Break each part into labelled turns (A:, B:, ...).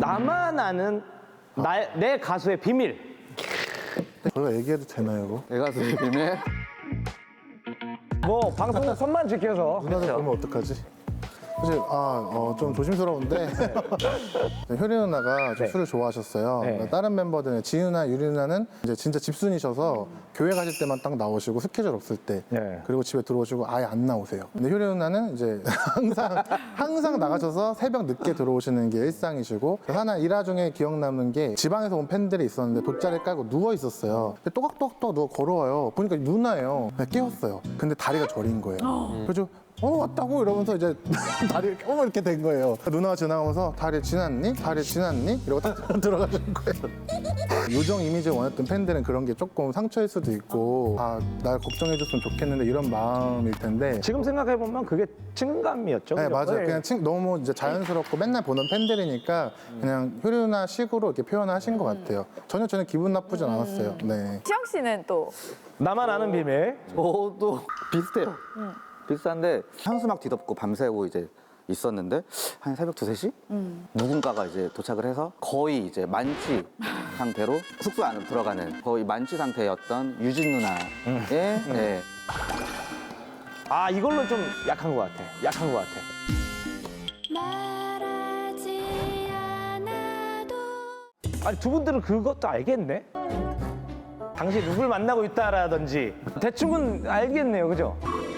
A: 나만 아는 내 가수의 비밀.
B: 저희가 얘기해도 되나요, 이거?
C: 내 가수의 비밀.
A: 뭐 방송 선만 지켜서.
B: 누나들 보면 어떡하지? 사실 좀 조심스러운데 효리 누나가 좀 술을 좋아하셨어요.
A: 네.
B: 그러니까 다른 멤버들은 지윤 누나, 유리 누나는 이제 진짜 집순이셔서 교회 가실 때만 딱 나오시고 스케줄 없을 때
A: 네.
B: 그리고 집에 들어오시고 아예 안 나오세요. 근데 효리 누나는 이제 항상 나가셔서 새벽 늦게 들어오시는 게 일상이시고 하나 일화 중에 기억 남는 게 지방에서 온 팬들이 있었는데 돗자리 깔고 누워 있었어요. 근데 또각또각 누워 걸어와요. 보니까 누나예요. 그냥 깨웠어요. 근데 다리가 저린 거예요. 그래서 왔다고 이러면서 이제 다리 이렇게 된 거예요. 누나가 지나가면서 다리 지났니? 다리 지났니? 이러고 딱 들어가는 거예요. 요정 이미지를 원했던 팬들은 그런 게 조금 상처일 수도 있고 날 걱정해줬으면 좋겠는데 이런 마음일 텐데
A: 지금 생각해 보면 그게 친감이었죠.
B: 네,
A: 그죠?
B: 맞아요. 그냥 너무 이제 자연스럽고 맨날 보는 팬들이니까 그냥 효리 누나 식으로 이렇게 표현하신 것 같아요. 전혀 기분 나쁘진 않았어요. 네.
D: 시영 씨는 또
A: 나만 아는 비밀.
C: 저도 비슷해요. 비슷한데 현수막 뒤덮고 밤새고 이제 있었는데 한 새벽 2, 3시? 누군가가 이제 도착을 해서 거의 이제 만취 상태로 숙소 안으로 들어가는 거의 만취 상태였던 유진 누나의 네.
A: 아 이걸로 좀 약한 것 같아. 약한 것 같아.
E: 말하지 않아도
A: 아니 두 분들은 그것도 알겠네. 당시 누굴 만나고 있다라든지 대충은 알겠네요, 그죠?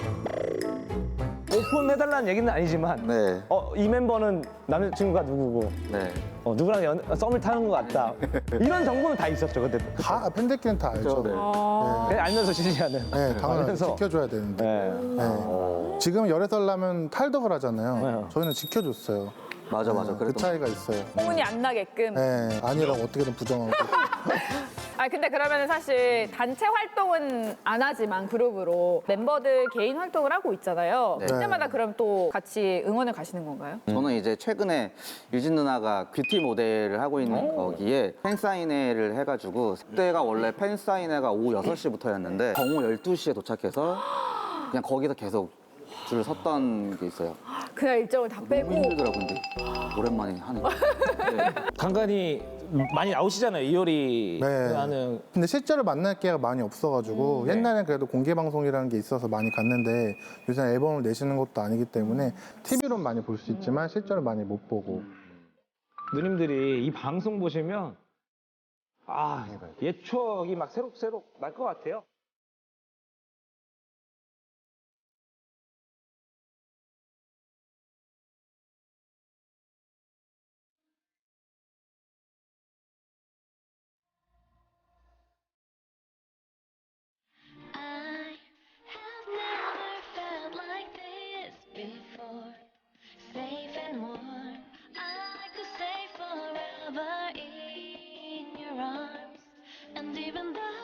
A: 오픈해달라는 얘기는 아니지만
C: 네.
A: 이 멤버는 남자친구가 누구고
C: 네.
A: 누구랑 썸을 타는 것 같다. 이런 정보는 다 있었죠, 그때.
B: 다 팬들끼리는 다 알죠.
C: 네.
A: 그냥 알면서 지지하는.
B: 네, 당연히
A: 알면서.
B: 지켜줘야 되는데.
A: 네.
B: 네. 지금 열애 살 나면 탈덕을 하잖아요.
A: 네.
B: 저희는 지켜줬어요.
C: 맞아.
B: 그
C: 그래도
B: 차이가 있어요.
D: 소문이 안 나게끔.
B: 네, 아니라고 어떻게든 부정하고.
D: 근데 그러면 사실 단체 활동은 안 하지만 그룹으로 member들 개인 활동을 하고 있잖아요.
C: 네.
D: 그때마다 그럼 또 같이 응원을 가시는 건가요?
C: 저는 이제 최근에 유진 누나가 뷰티 모델을 하고 있는 거기에 팬사인회를 해가지고 그때가 원래 팬사인회가 오후 6시부터였는데 정오 12시에 도착해서 그냥 거기서 계속 줄 섰던 게 있어요.
D: 그날 일정을 다
C: 너무
D: 빼고.
C: 힘들더라고요, 근데. 오랜만에 하니까. 네.
A: 간간히 많이 나오시잖아요, 이효리
B: 네.
A: 하는.
B: 근데 실제로 만날 기회가 많이 없어가지고 옛날엔 그래도 공개 방송이라는 게 있어서 많이 갔는데 요새 앨범을 내시는 것도 아니기 때문에 TV로 많이 볼 수 있지만 실제로 많이 못 보고.
A: 누님들이 이 방송 보시면 옛 추억이 막 새록새록 날 것 같아요.